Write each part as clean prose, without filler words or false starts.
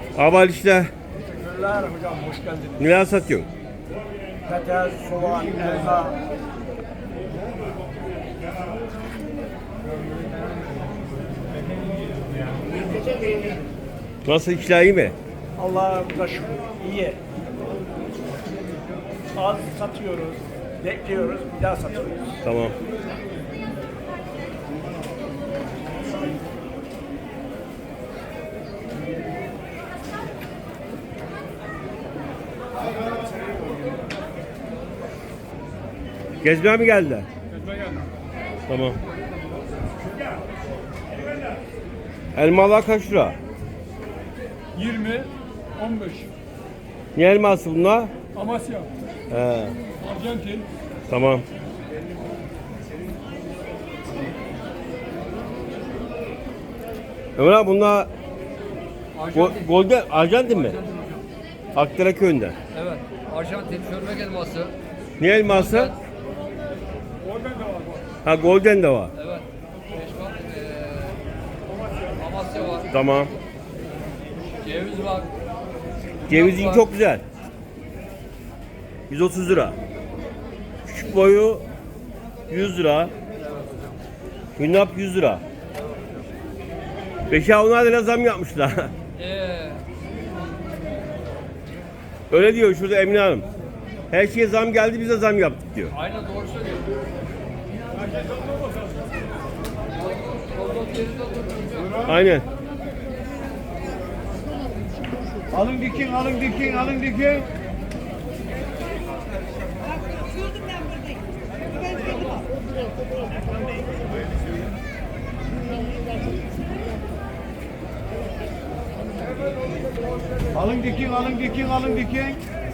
Abal işte. Teşekkürler hocam, hoş geldiniz. Neler satıyorsun? Patates, soğan, elma. Nasıl işler iyi mi? Allah'a şükür, iyi. Az satıyoruz, bekliyoruz, bir daha satıyoruz. Tamam. Gezmeye mi geldiler? Tamam. Elmalar kaç lira? 20, 15. Ne elması bunlar? Amasya, He, Arjantin, tamam. Ömer abi bunlar Golden Arjantin mi? Akdere köyünde. Evet, Arjantin çörmek elması. Ne elması? oradan da var. Ha Golden de var. Evet, Peşman, Amasya var, Tamam. ceviz var. Cevizin var. çok güzel. 130 lira. Küçük boyu 100 lira. Hünnap 100 lira. Beşe onlar da zam yapmışlar. Öyle diyor şurada Emine Hanım. Her şeye zam geldi, bize zam yaptık diyor. Aynen doğru söylüyor. Kozlok yerinde oturuyor. Aynen. Alın dikin, alın dikin, alın dikin. Gördüm ben buradayım. Ben gördüm. Alın dikin, alın dikin, alın dikin.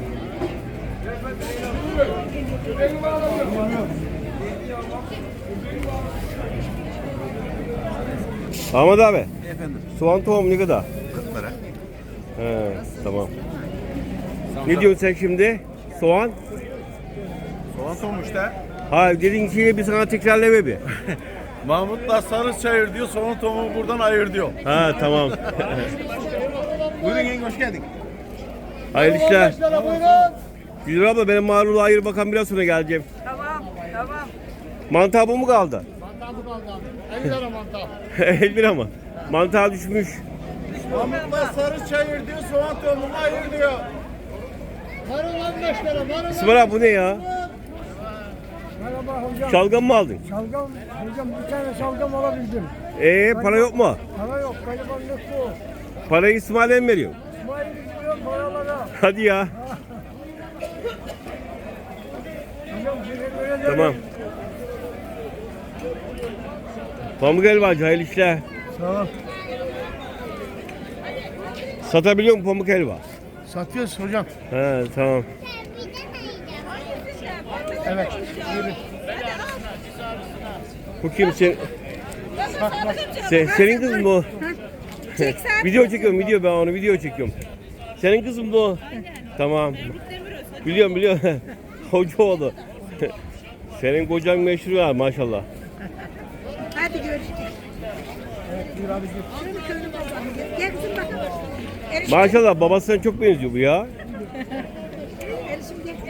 Ahmet abi. Efendim, Soğan tohumu ne kadar? 40 lira. He, tamam. Ne diyorsun sen şimdi? Soğan? Soğan soğumuşta. Ha dediğin şeyi bir sana tekrarlama bir. Mahmut'la sarı çayır diyor, soğan tohumu buradan ayır diyor. Ha tamam. Buyurun yenge, hoş geldin. Hayırlı işler. Güzel abla benim marulu ayır bakan biraz sonra geleceğim. Tamam, tamam. Mantar bu mu kaldı? Mantar bu kaldı abi. 50 lira mantar. 50 lira mı? Mantar düşmüş. Mahmut'la sarı çayır diyor, soğan tohumu ayır diyor. Marul 15 lira, marul. İsmail abi bu ne ya? Merhaba hocam. Şalgam mı aldın? Şalgam, hocam bir tane şalgam alabildim. Para yok mu? Para yok, garibanlık bu. Parayı İsmail'e mi veriyor? İsmail gidiyor paralara. Hadi ya. Hocam teşekkür ederim. Tamam. Pamuk helvacı hayırlı işler. Sağ ol. Satabiliyor musun pamuk helva? Satıyoruz hocam. He tamam. Evet. Bu kim senin kızın bu. Video çekiyorum ben onu video çekiyorum. Senin kızın bu. Tamam. Biliyorum. Hoca oldu. Senin kocan meşhur ya maşallah. Hadi görüşürüz. Şunu köylü bakalım. Gel kızım bakalım. Erişim, Maşallah babasına çok benziyor bu ya. erişim gel.